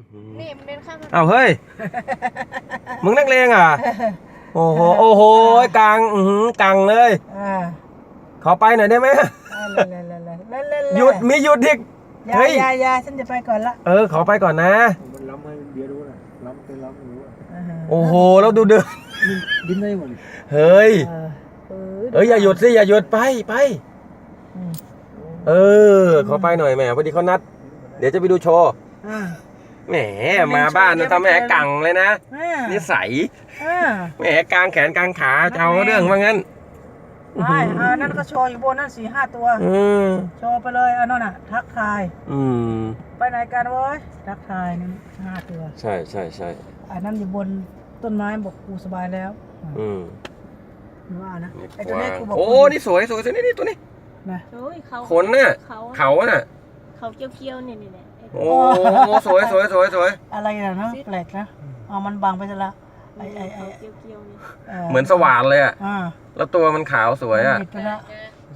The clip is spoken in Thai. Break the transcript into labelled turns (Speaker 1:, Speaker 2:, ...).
Speaker 1: นี่มันเดินข้าม
Speaker 2: อ้าวเฮ้ย มึงนักเลงอ่ะ โอ้โห โอ้โหกลางกลางเลย ขอไปหน่อยได้ไหมหยุดมีหยุดดิเฮ้ย
Speaker 3: ยาฉันจะไปก่อนละ
Speaker 2: ขอไปก่อนนะ
Speaker 4: มันล้ำให้เบียร์รู้นะล้ำเป็นล้ำไม่รู้
Speaker 2: โอ้โหแล้วดูเดิน
Speaker 4: ดิ้นได้หมด
Speaker 2: เฮ้ยอย่าหยุดสิอย่าหยุดไปขอไปหน่อยแหมพอดีเขานัดเดี๋ยวจะไปดูโชว์แหมมาบ้านทำแหมกังเลยนะนิสัยแหมกลางแขนกลางขาจะเอาเรื่องว่างั้น
Speaker 3: นั่นก็โชว์อยู่บนนั่น4-5 ตัวโชว์ไปเลยนั่นน่ะทักทายไปไหนกันวะทักทายนั่น5 ตัว
Speaker 2: ใช่
Speaker 3: อันนั้นอยู่บนต้นไม้บอกกูสบายแล้วว่านะไอ้ตัวนี้กูบอก
Speaker 2: โอ้นี่สวยนี่ตัวนี้
Speaker 3: นะ
Speaker 2: ขนน่ะเขาน่ะ
Speaker 1: เขาเกี้ยวๆนี่
Speaker 2: โอ้สวย
Speaker 3: อะไรนะแปลกนะมันบังไปซะละ
Speaker 1: เกี้ยวๆนี่
Speaker 2: เหมือนสว่านเลยอ่ะแล้วตัวมันขาวสวยอ่ะ